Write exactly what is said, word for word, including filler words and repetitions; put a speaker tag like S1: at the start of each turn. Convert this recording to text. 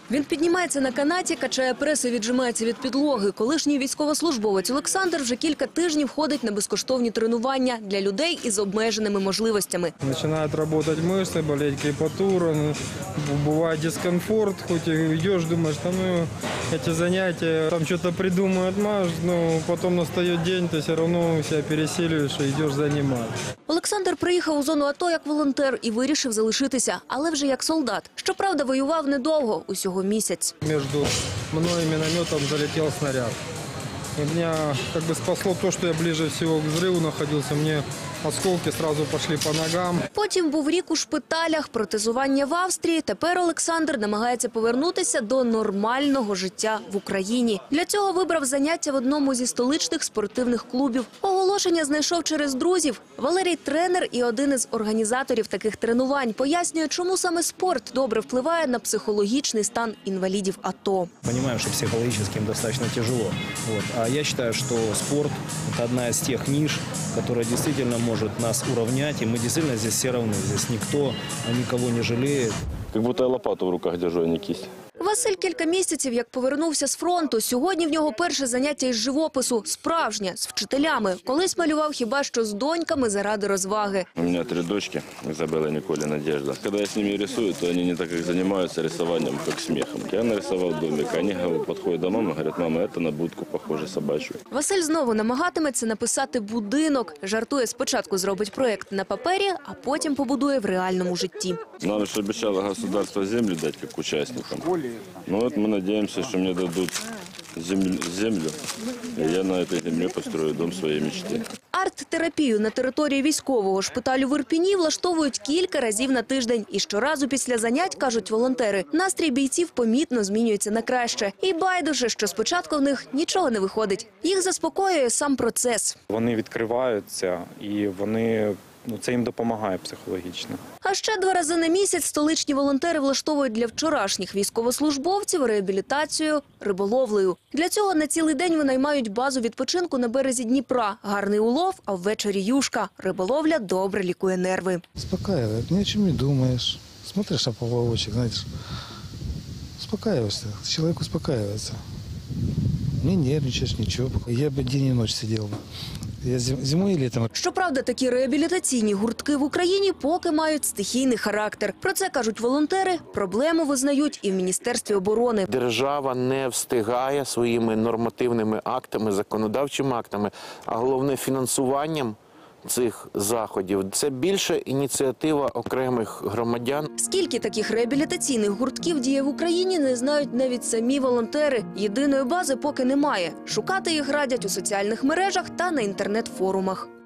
S1: Він піднімається на канаті, качає прес і віджимається від підлоги. Колишній військовослужбовець Олександр вже кілька тижнів ходить на безкоштовні тренування для людей із обмеженими можливостями.
S2: Починають працювати мишці, болить крепатура, буває дискомфорт, хоч і йдеш, думаєш, там ну, ці заняття, там щось придумають, маш, ну, потім настає день, ти все одно себе пересилюєш і йдеш займатися.
S1: Олександр приїхав у зону АТО як волонтер і вирішив залишитися, але вже як солдат. Щоправда, воював недовго, усього місяць.
S2: Між мною і мінометом залетів снаряд. И меня как бы спасло то, что я ближе всего к взрыву находился. Мне осколки сразу пошли по ногам.
S1: Потім був рік у шпиталях, протезування в Австрії. Тепер Олександр намагається повернутися до нормального життя в Україні. Для цього вибрав заняття в одному зі столичних спортивних клубів. Оголошення знайшов через друзів. Валерій – тренер і один із організаторів таких тренувань. Пояснює, чому саме спорт добре впливає на психологічний стан інвалідів АТО.
S3: Понимаем, что психологически им достаточно тяжело. Вот. А я считаю, что спорт – это одна из тех ниш, которая действительно может нас уравнять. И мы действительно здесь все равны. Здесь никто никого не жалеет.
S4: Как будто я лопату в руках держу, а не кисть.
S1: Василь кілька місяців як повернувся з фронту. Сьогодні в нього перше заняття із живопису. Справжнє, з вчителями. Колись малював хіба що з доньками заради розваги.
S4: У меня три дочки, Изабелла, Николя, Надежда. Когда я с ними рисую, то они не так как занимаются рисованием, как смехом. Я нарисовал домик, они подходят до мамы и говорят: мама, это на будку похоже собачью.
S1: Василь знову намагатиметься написати будинок. Жартує, спочатку зробить проєкт на папері, а потім побудує в реальному житті.
S4: Нам же обещало государство землю дать как участникам. Ну вот мы надеемся, что мне дадут землю, землю, и я на этой земле построю дом своей мечты.
S1: Арт-терапію на території військового шпиталю в Ірпіні влаштовують кілька разів на тиждень. І щоразу після занять, кажуть волонтери, настрій бійців помітно змінюється на краще. І байдуже, що спочатку в них нічого не виходить. Їх заспокоює сам процес.
S5: Вони відкриваються і вони... Ну, це їм допомагає психологічно.
S1: А ще два рази на місяць столичні волонтери влаштовують для вчорашніх військовослужбовців реабілітацію риболовлею. Для цього на цілий день винаймають базу відпочинку на березі Дніпра. Гарний улов, а ввечері юшка. Риболовля добре лікує нерви.
S6: Успокаивает, ни о чем не думаешь. Смотришь на поплавочек, знаешь, успокаиваешься, человек успокаивается. Не нервничаешь, ничего. Я бы день и ночь сидел. Я зимой и летом.
S1: Щоправда, такі реабілітаційні гуртки в Україні поки мають стихійний характер. Про це кажуть волонтери, проблему визнають і в Міністерстві оборони.
S7: Держава не встигає своїми нормативними актами, законодавчими актами, а головне фінансуванням цих заходів. Це більше ініціатива окремих громадян.
S1: Скільки таких реабілітаційних гуртків діє в Україні, не знають навіть самі волонтери. Єдиної бази поки немає. Шукати їх радять у соціальних мережах та на інтернет-форумах.